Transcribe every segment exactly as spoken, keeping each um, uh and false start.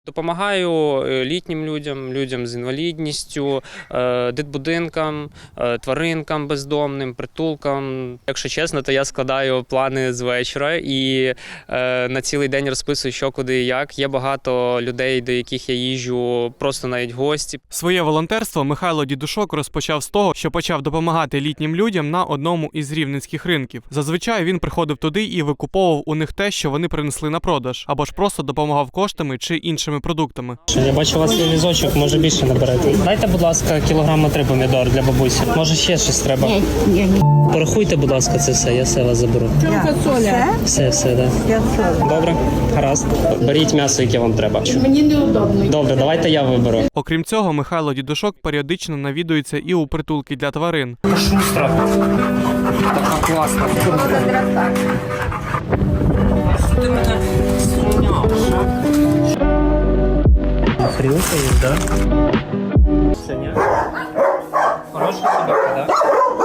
Допомагаю літнім людям, людям з інвалідністю, дитбудинкам, тваринкам бездомним, притулкам. Якщо чесно, то я складаю плани з вечора і на цілий день розписую, що, куди і як. Є багато людей, до яких я їжджу просто навіть в гості. Своє волонтерство Михайло Дідушок розпочав з того, що почав допомагати літнім людям на одному із рівненських ринків. Зазвичай він приходив туди і викуповував у них те, що вони принесли на продаж, або ж просто допомагав коштами чи іншими продуктами. Я бачу, у вас є візочок, може більше наберете. Дайте, будь ласка, кілограма три помідор для бабусі. Може ще щось треба. Порахуйте, будь ласка, це все, я все вас заберу. Все? Все, все, так. Да. Добре, гаразд. Беріть м'ясо, яке вам треба. Мені неудобно. Добре, давайте я виберу. Окрім цього, Михайло Дідушок періодично навідується і у притулки для тварин. Шустра. Така класна. Ти мене зрівняв. Хрілка є, так? Синя. Хороша собака, так?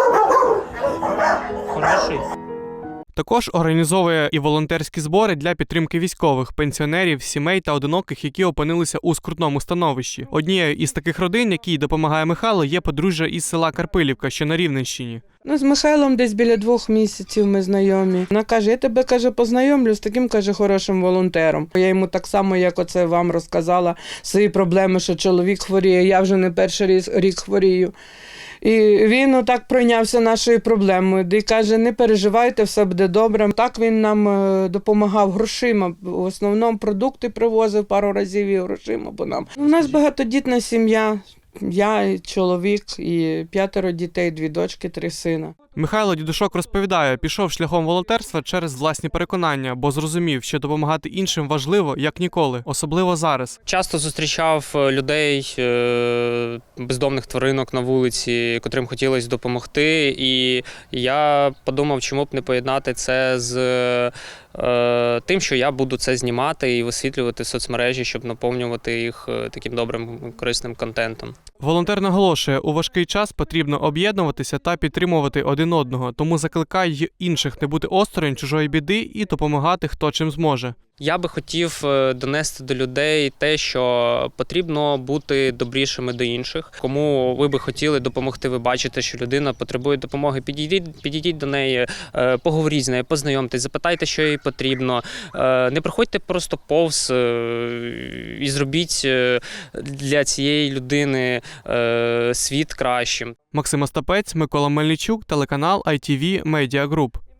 Хороший. Також організовує і волонтерські збори для підтримки військових, пенсіонерів, сімей та одиноких, які опинилися у скрутному становищі. Однією із таких родин, якій допомагає Михайло, є подружжя із села Карпилівка, що на Рівненщині. Ну, з Михайлом десь біля двох місяців ми знайомі. Вона каже, я тебе, каже, познайомлю з таким, каже, хорошим волонтером. Я йому так само, як оце вам розказала, свої проблеми, що чоловік хворіє, я вже не перший рік хворію. І він отак пройнявся нашою проблемою. І каже, не переживайте, все буде добре. Так він нам допомагав грошима. В основному продукти привозив пару разів і грошима, бо нам. У нас багатодітна сім'я. Я, чоловік, і п'ятеро дітей, дві дочки, три сина. Михайло Дідушок розповідає, пішов шляхом волонтерства через власні переконання, бо зрозумів, що допомагати іншим важливо, як ніколи, особливо зараз. Часто зустрічав людей, бездомних тваринок на вулиці, котрим хотілося допомогти, і я подумав, чому б не поєднати це з тим, що я буду це знімати і висвітлювати в соцмережі, щоб наповнювати їх таким добрим, корисним контентом. Волонтер наголошує, у важкий час потрібно об'єднуватися та підтримувати один одного, тому закликає й інших не бути осторонь чужої біди і допомагати, хто чим зможе. Я би хотів донести до людей те, що потрібно бути добрішими до інших. Кому ви би хотіли допомогти, ви бачите, що людина потребує допомоги, підійдіть, підійдіть до неї, поговоріть з нею, познайомтесь, запитайте, що їй потрібно. Не проходьте просто повз і зробіть для цієї людини світ кращим. Максим Остапець, Микола Мельничук, телеканал ай ті ві Media Group.